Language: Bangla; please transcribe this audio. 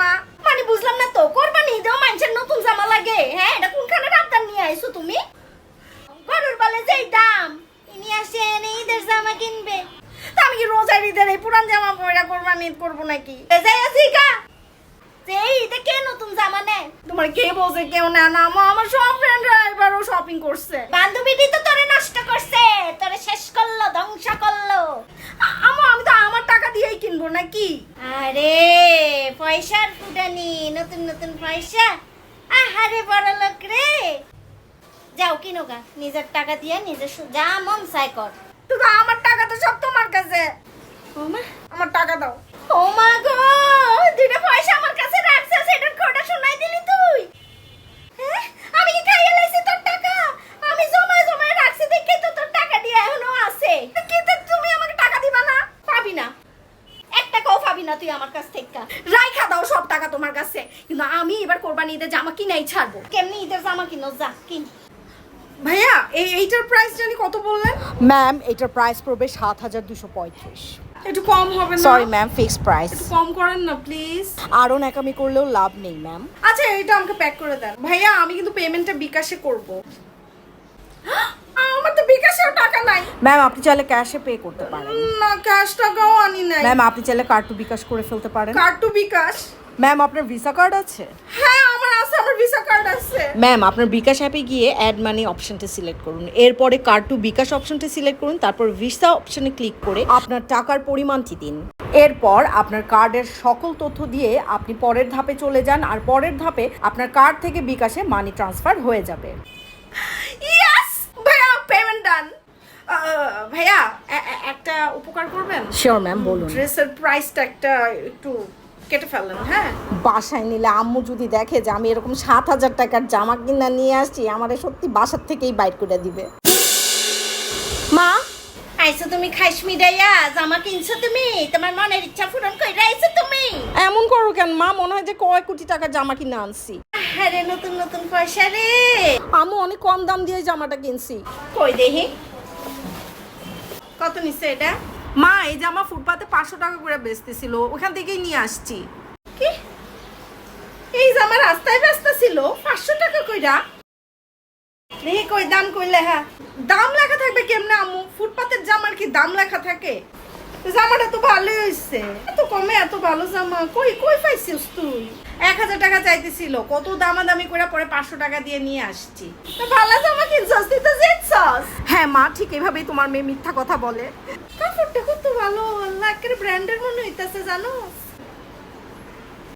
জামা? মানে বুঝলাম না তো, কোরবানি ঈদেও মানুষের নতুন জামা লাগে? হ্যাঁ, এটা কোনখানে আবদার নিয়ে আইছো তুমি? গরুর বলে যেই দাম, ইনি আসেন ঈদের জামা কিনবে, তা আমি কি রোজার ঈদের এই পুরান জামা পরে কোরবানি ঈদ করবো নাকি? যাই আছি গা, যে ঈদে কে নতুন জামা নেয়? তোমার কে বলছে কেউ না? না আমার সব ফ্রেন্ডরা এবারও শপিং করছে। বান্ধবীটি তো তোরে নষ্ট করছে, তোরে শেষ করলো, ধ্বংস করলো। আমি তো আমার টাকা দিয়েই কিনবো নাকি? আরে পয়সার ফুটানি, নতুন নতুন পয়সা। আহারে বড় লোক রে, যাও কিনো গা, নিজের টাকা দিয়ে নিজের যা মন চাই কর। তো আমার টাকা তো সব তোমার কাছে। আমার টাকা দাও। ও মা গো, দুটো পয়সা আমার কাছে রাখছিস, এটার খোটা শোনাই দিলি তুই? হ্যাঁ, আমি কি খাইয়ে লাইছি তোর টাকা? আমি জমায় জমায় রাখছি দেখে তো তোর টাকা দিয়ে এখনো আছে। কিন্তু তুমি আমাকে টাকা দিবা না? পাবি না, এক টাকাও পাবি না তুই আমার কাছ থেকে। রাইখা দাও সব টাকা তোমার কাছে, কিন্তু আমি এবার কোরবানি ঈদের জামা কিনাই ছাড়বো। কেমনি ঈদের জামা কিনো, যা কিন। ভাইয়া এইটার প্রাইস জানি কত বললেন? ম্যাম এটার প্রাইস পড়বে ৭,২৩৫। একটু কম হবে না? Sorry ma'am, fixed price. একটু কম করেন না প্লিজ। আরও নাকামি করলেও লাভ নেই ম্যাম। আচ্ছা এটা আমাকে প্যাক করে দেন। ভাইয়া আমি কিন্তু পেমেন্টটা বিকাশে করব। আমার তো বিকাশেও টাকা নাই। ম্যাম আপনি চাইলে ক্যাশে পে করতে পারেন। না, ক্যাশ টাকাও আনি নাই। ম্যাম আপনি চাইলে কার্ড টু বিকাশ করে ফেলতে পারেন। Card to bKash? ম্যাম আপনার ভিসা কার্ড আছে? হ্যাঁ আমার আছে, আমার ভিসা কার্ড আছে। ম্যাম আপনার বিকাশ অ্যাপে গিয়ে অ্যাড মানি অপশনটা সিলেক্ট করুন, এরপরে কার্ড টু বিকাশ অপশনটা সিলেক্ট করুন, তারপর ভিসা অপশনে ক্লিক করে আপনার টাকার পরিমাণটি দিন। এরপর আপনার কার্ডের সকল তথ্য দিয়ে আপনি পরের ধাপে চলে যান, আর পরের ধাপে আপনার কার্ড থেকে বিকাশে মানি ট্রান্সফার হয়ে যাবে। ইয়েস ভাইয়া, পেমেন্ট ডান। ভাইয়া একটা উপকার করবেন? শিওর ম্যাম, বলুন। ড্রেসের প্রাইসটা একটা একটু কেটে ফেলেন। হ্যাঁ, বাসায় নিলে আম্মু যদি দেখে যে আমি এরকম ৭,০০০ টাকার জামা কিনা নিয়ে আসছি, আমাদের সত্যি বাসার থেকেই বাইর করে দিবে। মা আইছো তুমি খাইস মিডাইয়া, জামা কিনছো তুমি, তোমার মনের ইচ্ছা পূরণ কইরা আইছো তুমি। এমন করো কেন মা, মনে হয় যে কয় কোটি টাকার জামা কিনে আনছি। আরে নতুন নতুন পয়সা রে। আম্মু অনেক কম দাম দিয়ে জামাটা কিনছি। কই দেখি কত নিছে এটা? মা এই জামা ফুটপাতে 500 টাকা করে বেচতেছিল, ওখান থেকেই নিয়ে আসছি। কি এই জামা রাস্তায় ব্যস্ত ছিল 500 টাকা কইরা? দেখি কই দাম কই লেখা? দাম লেখা থাকবে কেমনে আম্মু? ফুটপাতের জামার কি দাম লেখা থাকে? জামাটা তো ভালোই হইছে, এত কমে এত ভালো জামা কই কই পাইছিস তুই? 1000 টাকা চাইতেছিল, কত দামাদামি করে পরে 500 টাকা দিয়ে নিয়ে আসছি। তো ভালো জামা কিনছস, তুই তো জিতছস। হ্যাঁ মা, ঠিক এভাবেই তোমার মেয়ে মিথ্যা কথা বলে। কাপড়টা কত ভালো, আল্লাহ একেবারে ব্র্যান্ডের মনে হইতাছে জানো।